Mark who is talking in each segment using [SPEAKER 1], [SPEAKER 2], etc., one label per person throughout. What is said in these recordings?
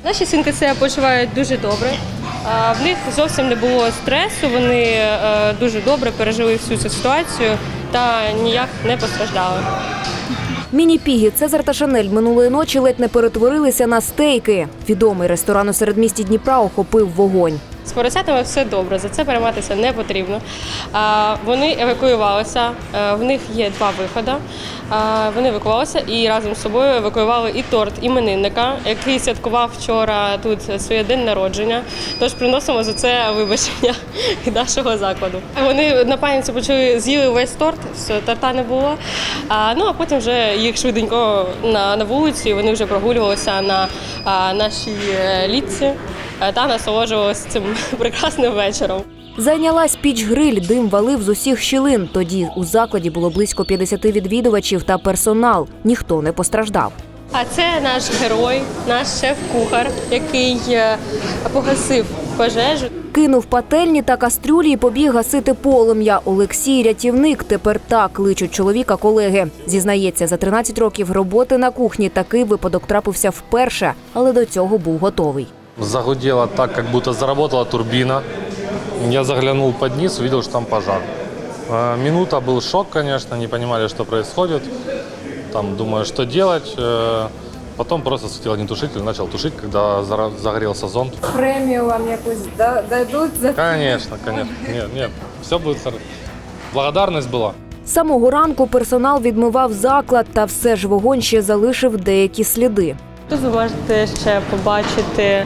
[SPEAKER 1] Наші свинки себе почувають дуже добре. В них зовсім не було стресу, вони дуже добре пережили всю цю ситуацію та ніяк не постраждали.
[SPEAKER 2] Міні-піги Цезар та Шанель минулої ночі ледь не перетворилися на стейки. Відомий ресторан у середмісті Дніпра охопив вогонь.
[SPEAKER 1] З поросятами все добре, за це перейматися не потрібно. Вони евакуювалися, в них є 2 виходи. Вони евакуювалися і разом з собою евакуювали і торт іменинника, який святкував вчора тут своє день народження. Тож приносимо за це вибачення від нашого закладу. Вони на паніці почали, з'їли весь торт, торта не було. А потім вже їх швиденько на вулиці, вони вже прогулювалися на нашій літці та насолоджувалися цим прекрасним вечором.
[SPEAKER 2] Зайнялась піч-гриль, дим валив з усіх щілин. Тоді у закладі було близько 50 відвідувачів та персонал. Ніхто не постраждав.
[SPEAKER 1] А це наш герой, наш шеф-кухар, який погасив пожежу.
[SPEAKER 2] Кинув пательні та кастрюлі і побіг гасити полум'я. Олексій – рятівник, тепер так кличуть чоловіка колеги. Зізнається, за 13 років роботи на кухні такий випадок трапився вперше, але до цього був готовий.
[SPEAKER 3] Загудело так, как будто заработала турбина. Я заглянул под низ, увидел, что там пожар. Минута был шок, конечно, не понимали, что происходит. Там, думаю, что делать. Потом просто схватил огнетушитель, начал тушить, когда загорелся зонт.
[SPEAKER 4] Премію вам якусь дадуть за це?
[SPEAKER 3] Конечно. Нет, все будет хорошо. Благодарность была.
[SPEAKER 2] З самого ранку персонал відмивав заклад, та все ж вогонь ще залишив деякі сліди.
[SPEAKER 1] Тут ви можете ще побачити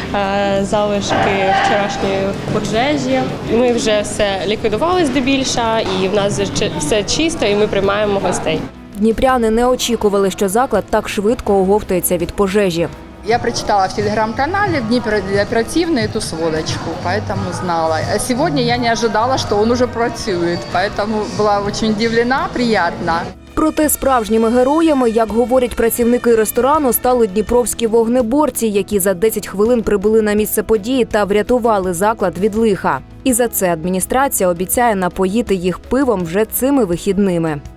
[SPEAKER 1] залишки вчорашньої пожежі. Ми вже все ліквідували здебільша, і в нас все чисто, і ми приймаємо гостей.
[SPEAKER 2] Дніпряни не очікували, що заклад так швидко оговтається від пожежі.
[SPEAKER 4] Я прочитала в телеграм-канале Днепр оперативный эту сводочку, поэтому знала. А сегодня я не ожидала, что он уже працюет, поэтому была очень удивлена, приятно.
[SPEAKER 2] Проте справжніми героями, як говорять працівники ресторану, стали дніпровські вогнеборці, які за 10 хвилин прибули на місце події та врятували заклад від лиха. І за це адміністрація обіцяє напоїти їх пивом вже цими вихідними.